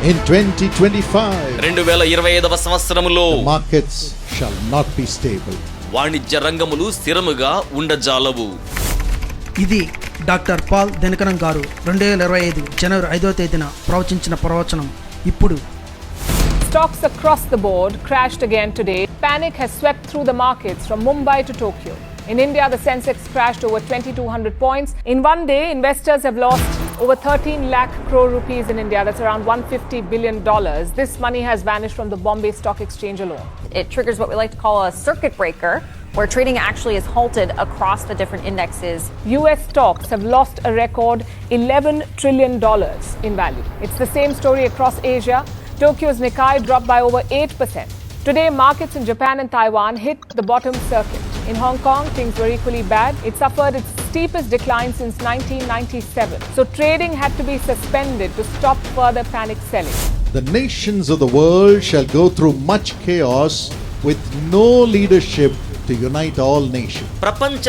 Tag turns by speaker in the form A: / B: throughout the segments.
A: In 2025,
B: 2025వ సంవత్సరములో
A: the markets shall not be stable.
B: వాణిజ్య రంగములు స్థిరముగా ఉండజాలవు.
C: ఇది డాక్టర్ పాల్ దినకరన్ గారు 2025 జనవరి 5వ తేదీన ప్రవచించిన ప్రవచనం. ఇప్పుడు
D: Stocks across the board crashed again today. Panic has swept through the markets from Mumbai to Tokyo. In India, the Sensex crashed over 2,200 points. In one day, investors have lost over 13 lakh crore rupees in India. That's around $150 billion. This money has vanished from the Bombay Stock Exchange alone.
E: It triggers what we like to call a circuit breaker, where trading actually is halted across the different indexes.
D: US stocks have lost a record $11 trillion in value. It's the same story across Asia. Tokyo's Nikkei dropped by over 8%. Today, markets in Japan and Taiwan hit the bottom circuit. In Hong Kong, things were equally bad. It suffered its steepest decline since 1997. So trading had to be suspended to stop further panic selling.
A: The nations of the world shall go through much chaos with no leadership to unite all nations.
B: ప్రపంచ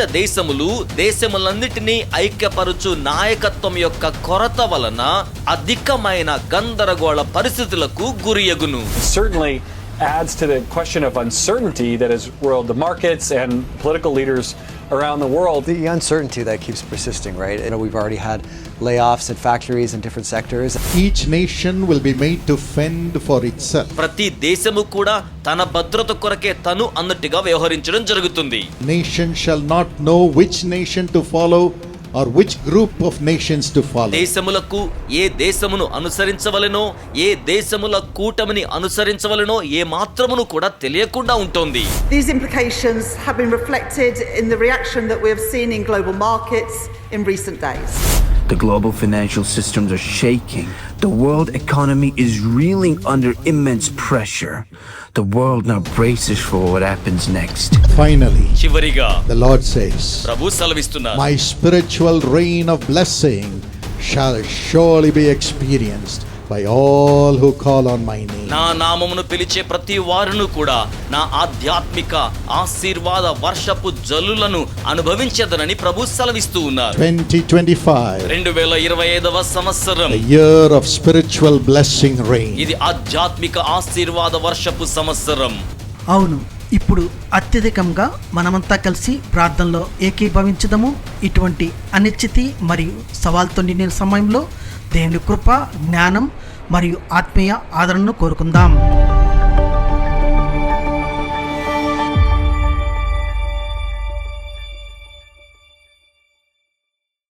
B: దేశములన్నిటినీ ఐక్యపరుచు నాయకత్వం యొక్క కొరత వలన అధికమైన గందరగోళ పరిస్థితులకు గురియగును.
F: Certainly adds to the question of uncertainty that has roiled the markets and political leaders around the world.
G: The uncertainty that keeps persisting, right? We've already had layoffs at factories in different sectors.
A: Each nation will be made to fend for itself.
B: ప్రతి దేశము కూడా తన భద్రత కొరకే తను అన్నట్టుగా వ్యవహరించడం జరుగుతుంది.
A: Nation shall not know which nation to follow or which group of nations to follow.
B: దేశములకు ఏ దేశమును అనుసరించవలెనో, ఏ దేశముల కూటమిని అనుసరించవలెనో ఏ మాత్రమును కూడా తెలియకుండా ఉంటుంది.
H: These implications have been reflected in the reaction that we have seen in global markets in recent days.
I: The global financial systems are shaking. The world economy is reeling under immense pressure. The world now braces for what happens next.
A: Finally,
B: చివరిగా
A: the Lord says,
B: Prabhu సెలవిస్తున్నారు,
A: my spiritual reign of blessing shall surely be experienced by all who call on my name.
B: నా నామమును పిలిచే ప్రతి వారును కూడా నా ఆధ్యాత్మిక ఆశీర్వాద వర్షపు జల్లులను అనుభవించదనని ప్రభు సెలవిస్తూ ఉన్నారు.
A: 2025,
B: 2025వ సంవత్సరం,
A: the year of spiritual blessing reign.
B: ఇది ఆధ్యాత్మిక ఆశీర్వాద వర్షపు సంవత్సరం.
C: అవును, ఇప్పుడు అత్యధికంగా మనమంతా కలిసి ప్రార్థనలో ఏకీభవించదము. ఇటువంటి అనిశ్చితి మరియు సవాల్తో నిండిన సమయంలో దేవుని కృప, జ్ఞానం మరియు ఆత్మీయ ఆదరణను కోరుకుందాం.